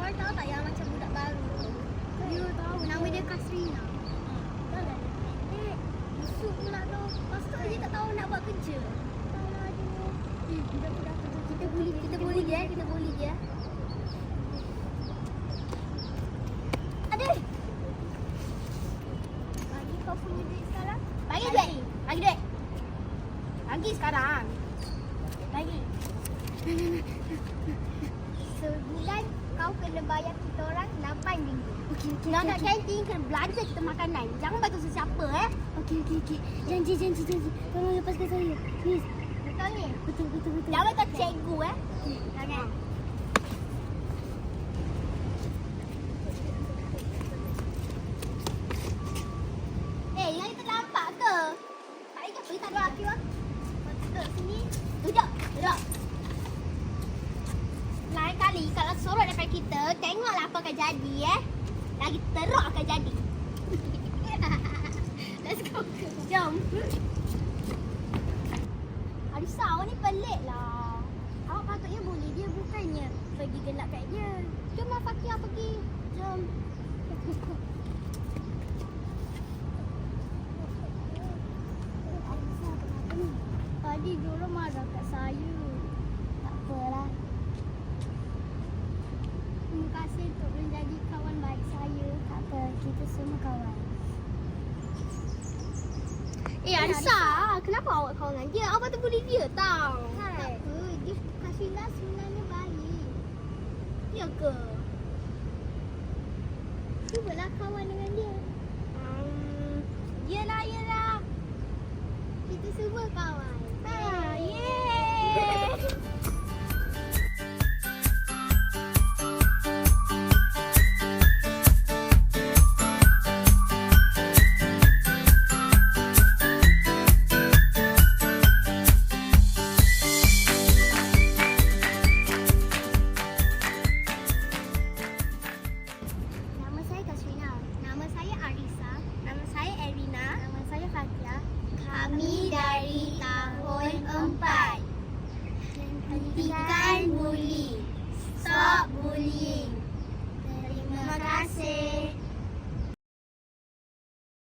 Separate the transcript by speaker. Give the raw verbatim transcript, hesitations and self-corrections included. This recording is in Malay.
Speaker 1: Korang tahu tak yang macam budak baru tu? You tahu. Nama dia Kasrina. Tahu tak? Eh, busuk pula tu. Lepas tu dia tak tahu nak buat kerja. Tahu lah dia. Eh, budak-budak tu. Kita bully, kita bully dia. Kita bully dia. Aduh. Bagi kau punya duit sekarang. Bagi duit. Bagi duit. Bagi sekarang. Bagi. Sebulan kau kena bayar kita orang lapan ringgit. Okey, okey. Nak kat kantin kena belanja kita makanan. Jangan bagi sesiapa eh. Okey, okey, okey. Janji, janji, janji. Tolong lepaskan saya. Please. Betul ni? Betul, betul, betul. Jangan kau cikgu eh. Jangan. Eh, yang kita nampak ke? Tak ingat apa? Tak ada laki lah. Duduk sini. Duduk. Duduk. Lain kali kalau sorot depan kita, tengoklah apa akan jadi eh. Lagi teruk akan jadi. Let's go. Jom. Arisa, awak ni pelik lah. Awak patutnya boleh dia, bukannya pergi gelak kat dia. Jom lah Fakia pergi. Jom. Arisa, kenapa ni? Tadi diorang marah kat saya. Tak apalah. Terima kasih untuk menjadi kawan baik saya. Tak apa, kita semua kawan. Eh Arisa, kenapa awak kawan dengan dia? Awak tu bully dia tau. Tak apa, dia Kasrina sebenarnya baik. Ya ke? Cubalah kawan dengan dia. Um, yelah, yelah. Kita semua kawan. Ha, yeay. Nama saya Kasrina. Nama saya Arisa. Nama saya Erina. Nama saya Fakia. Kami dari tahun empat. Hentikan bully. Stop bullying. Terima kasih.